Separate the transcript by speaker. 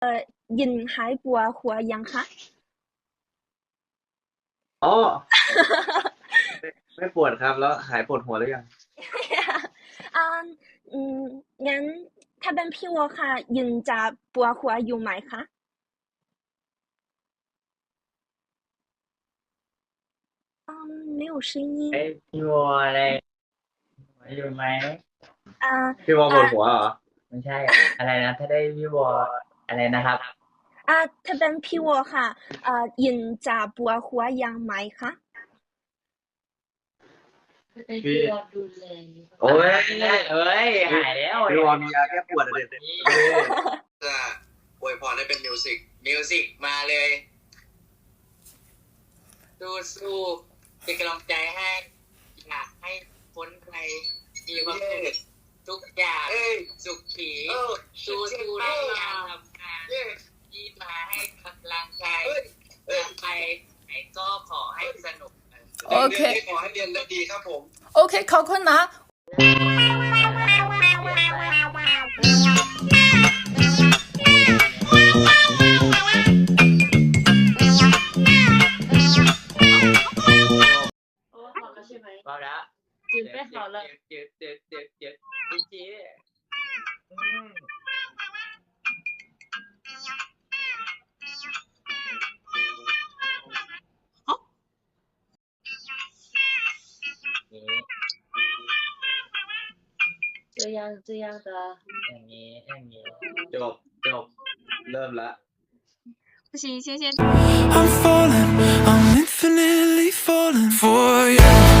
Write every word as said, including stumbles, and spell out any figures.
Speaker 1: ยินหายปวดหัวยังคะ
Speaker 2: อ๋อ ไม่ไม่ปวดครับแล้วหายปวดหัวหรือยัง
Speaker 1: อ่าอืมงั้นถ้าเป็นพี่วัวค่ะยินจะปวดหัวอยู่ไหมคะอืม没有声音
Speaker 3: เอ้ยพี่วัวอะไรหัวอยู่ไหม
Speaker 1: อ่า
Speaker 2: พี่วอป
Speaker 1: อ่า
Speaker 2: วดหัวเหรอ
Speaker 3: ไม่ใช่อะไรนะถ้าได้พี่วัวอะไรนะครับ
Speaker 1: อ่าถ้าเป็นพี่วัวค่ะอ่ายินจะปวดหัวยังไหมคะ
Speaker 4: เป็นพี่วอดูแล
Speaker 2: โอ้ย
Speaker 3: เอ้ยหายแล้ว
Speaker 2: พี่วอมียาแก้ปวดอะเด็ด
Speaker 3: นี่
Speaker 5: จะอวยพรให้เป็นมิวสิกมิวสิกมาเลยสู้สู้เป็นกำลังใจให้อยากให้พ้นภัยมีความสุขทุกอย่างสุขขีสู้สู้ในการทำงานที่มาให้กำลังใจไปไหนก็ขอให้สนุก
Speaker 6: โอเค
Speaker 5: ขอให้เรียนได้ดีครับผม
Speaker 6: โอเคขอบคุณนะ
Speaker 4: โอ้好了ใช่ไหม
Speaker 3: เบาแล้ว
Speaker 4: จืดไป好了
Speaker 3: จืดจืดจืดจืดจืดจีอืมนี่
Speaker 4: 这样这样的
Speaker 3: อย่างนี้อย่างนี้
Speaker 2: จบจบเริ่มละ
Speaker 7: 不行，先先。
Speaker 8: I'm falling, I'm infinitely falling for you.